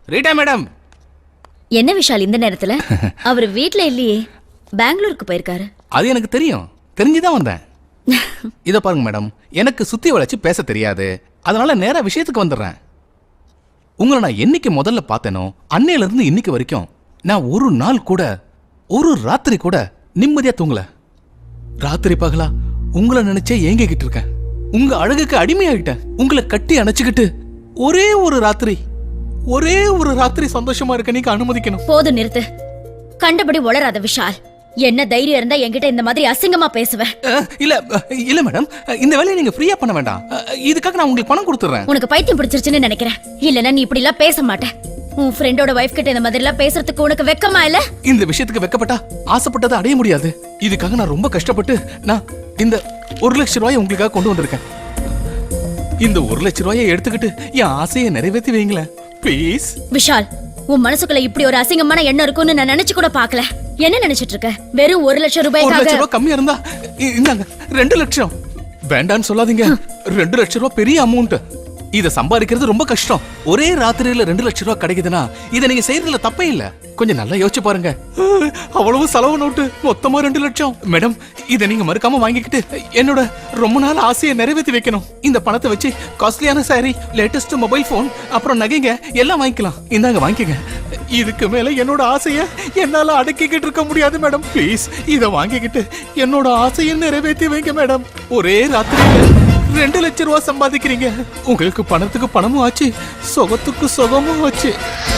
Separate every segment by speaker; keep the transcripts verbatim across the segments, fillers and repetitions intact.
Speaker 1: Rita madam.
Speaker 2: என்ன விஷால் இந்த நேரத்துல? அவர் வீட்ல இல்லையே, பெங்களூருக்கு போயிருக்காரு.
Speaker 1: அது எனக்கு தெரியும், தெரிஞ்சுதான் வந்தேன். இத பாருங்க மேடம், எனக்கு சுத்தி வளைச்சு பேச தெரியாது, அதனால நேரா விஷயத்துக்கு வந்துடுறேன். உங்களை நான் என்னைக்கு முதல்ல பார்த்தேனோ அன்னையில இருந்து இன்னைக்கு வரைக்கும் நான் ஒரு நாள் கூட ஒரு ராத்திரி கூட நிம்மதியா தூங்கல. ராத்திரி பகலா உங்களை நினைச்சே ஏங்கிக்கிட்டு இருக்கேன். உங்க அழகுக்கு அடிமையாகிட்டேன். உங்களை கட்டி அணைச்சுக்கிட்டு ஒரே ஒரு ராத்திரி ஒரே ஒரு ராத்திரி சந்தோஷமா இருக்க நீங்க அனுமதிக்கணும்.
Speaker 2: போதும், நிறுத்து. கண்டபடி உளராத விஷால். என்ன தைரியம் இருந்தா என்கிட்ட இந்த மாதிரி அசிங்கமா பேசுவேன்?
Speaker 1: இல்ல இல்ல மேடம், இந்த வேலையை நீங்க ஃப்ரீயா பண்ண வேண்டாம். இதுக்காக நான் உங்களுக்கு பணம் கொடுத்துறேன்.
Speaker 2: உனக்கு பைத்தியம் பிடிச்சிருச்சுன்னு நினைக்கிறேன். இல்லன்னா நீ இப்படி எல்லாம் பேச மாட்டேன். உன் ஃப்ரெண்டோட வைஃப் கிட்ட இந்த மாதிரி எல்லாம் பேசுறதுக்கு உனக்கு வெக்கமா இல்ல?
Speaker 1: இந்த விஷயத்துக்கு வெக்கப்பட்டா ஆசைப்பட்டதை அடைய முடியாது. இதுக்காக நான் ரொம்ப கஷ்டப்பட்டு நான் இந்த ஒரு லட்சம் ரூபாயை உங்களுக்காக கொண்டு வந்திருக்கேன். இந்த ஒரு லட்சம் ரூபாயை எடுத்துக்கிட்டு என் ஆசையை நிறைவேற்றி வைங்களேன் ப்ளீஸ்.
Speaker 2: விஷால், உன் மனசுக்குள்ள இப்படி ஒரு அசிங்கமான எண்ணம் இருக்கும்னு நான் நினைச்சு கூட பாக்கல. என்ன நினைச்சிட்டு இருக்க? வெறும் ஒரு லட்சம் ரூபாய்.
Speaker 1: ஒரு லட்சம் ரூபாய் கம்மியா இருந்தா இந்தாங்க ரெண்டு லட்சம். வேண்டான்னு சொல்லாதீங்க, ரெண்டு லட்சம் ரூபாய் பெரிய அமௌண்ட். இத சம்பாதிக்கிறது ரொம்ப கஷ்டம். ஒரே ராத்திரியில ரெண்டு லட்சம் ரூபாய் கிடைக்குதுன்னா இதை நீங்க செய்யறதுல தப்பே இல்ல. கொஞ்சம் நல்லா யோசிச்சு பாருங்க. அவ்வளவு செலவு நோட்டு, மொத்தமா ரெண்டு லட்சம். மேடம், இதை நீங்க மறுக்காம வாங்கிக்கிட்டு என்னோட ரொம்ப நாள் ஆசையை நிறைவேற்றி வைக்கணும். இந்த பணத்தை வச்சு காஸ்ட்லியான சாரி, லேட்டஸ்ட் மொபைல் போன், அப்புறம் நகைங்க எல்லாம் வாங்கிக்கலாம். இந்தாங்க வாங்கிக்கங்க. இதுக்கு மேல என்னோட ஆசைய என்னால அடக்கிக்கிட்டு இருக்க முடியாது மேடம். ப்ளீஸ் இத வாங்கிக்கிட்டு என்னோட ஆசையை நிறைவேற்றி வைங்க மேடம். ஒரே ராத்திரியில ரெண்டு லட்சம் ரூபாய் சம்பாதிக்கிறீங்க. உங்களுக்கு பணத்துக்கு பணமும் ஆச்சு, சுகத்துக்கு சுகமும் ஆச்சு.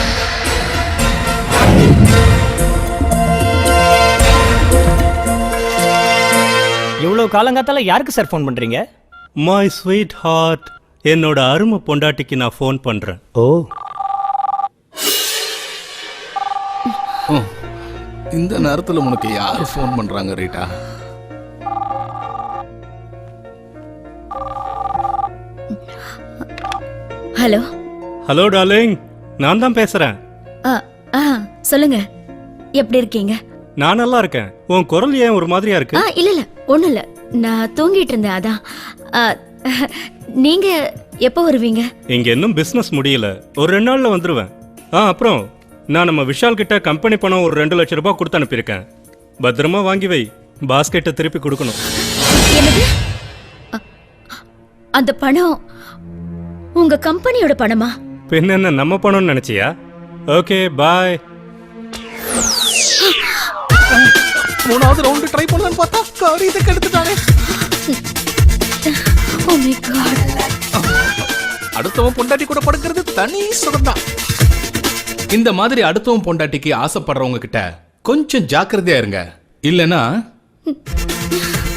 Speaker 3: இவ்வளவு காலங்காத்தால யாருக்கு சார் ஃபோன் பண்றீங்க?
Speaker 4: மை ஸ்வீட் ஹார்ட், என்னோட அருமை பொண்டாட்டிக்கு நான் ஃபோன் பண்றேன்.
Speaker 3: ஓ,
Speaker 1: இந்த நேரத்துல உனக்கு யாரு ஃபோன் பண்றாங்க ரீட்டா?
Speaker 2: ஹலோ.
Speaker 4: ஹலோ டார்லிங், நான் தான் பேசுறேன்.
Speaker 2: சொல்லுங்க, எப்படி இருக்கீங்க?
Speaker 4: நான் நல்லா இருக்கேன். உன் குரல் ஏன் ஒரு மாதிரியா இருக்கு?
Speaker 2: இல்ல இல்ல, ஒண்ணும் இல்ல, நான் தூங்கிட்டு இருந்தேன் அதான். நீங்க எப்போ வருவீங்க?
Speaker 4: இங்க இன்னும் பிசினஸ் முடியல, ஒரு ரெண்டு நாள்ல வந்துருவேன். ஆ அப்புறம் நான் நம்ம விஷால் கிட்ட கம்பெனி பணம் ஒரு ரெண்டு லட்சம் ரூபாய் கொடுத்து அனுப்பியிருக்கேன். பத்திரமா வாங்கி வை, பாஸ்கெட்டை திருப்பி கொடுக்கணும்.
Speaker 2: என்னது? அந்த பணம் உங்க கம்பெனியோட பணமா?
Speaker 4: பின்ன என்ன நம்ம பணம்னு நினைச்சியா? Okay bye.
Speaker 1: மூணாவது ரவுண்ட் ட்ரை பண்ணலான்னு பார்த்தா காரியத்தை எடுத்துட்டானே.
Speaker 2: Oh my God.
Speaker 1: அடுத்தவன் பொண்டாட்டி கூட படுக்கிறது தனி சுகம்தான். இந்த மாதிரி அடுத்தவன் பொண்டாட்டிக்கு ஆசைப்படுறவங்க கிட்ட கொஞ்சம் ஜாக்கிரதையா இருங்க, இல்லனா